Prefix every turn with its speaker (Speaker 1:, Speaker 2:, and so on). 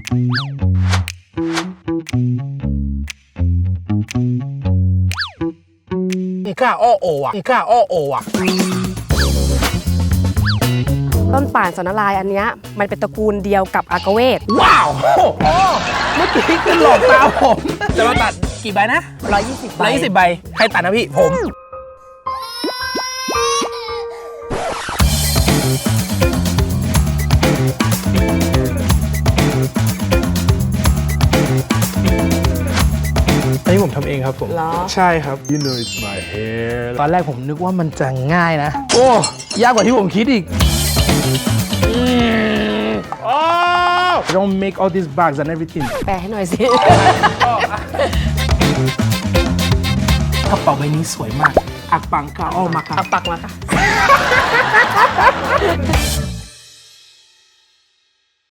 Speaker 1: อีก้าอ้อโออ่ะอีก้าอ้อโออ่ะ
Speaker 2: ต้นป่านสนนารายณ์อันเนี้ยมันเป็นตระกูลเดียวกับอากาเวท
Speaker 1: ว้าวโอ้เมื่อกี้คือหลอกตาผมจะมาตัดกี่ใบนะ
Speaker 2: 120 ใบ
Speaker 1: 120 ใบใครตัดนะพี่ผมอันนี้ผมทำเองครับผม
Speaker 2: เหรอ
Speaker 1: ใช่ครับ You know it's my hair ตอนแรกผมนึกว่ามันจะง่ายนะ โอ้ยากกว่าที่ผมคิดอีกDon't make all these bags and everything
Speaker 2: แปลให้หน่อยสิ
Speaker 1: กระเป๋าใบนี้สวยมาก อักปังกาอ้อมาค่ะ
Speaker 2: เอาปักมาค่ะ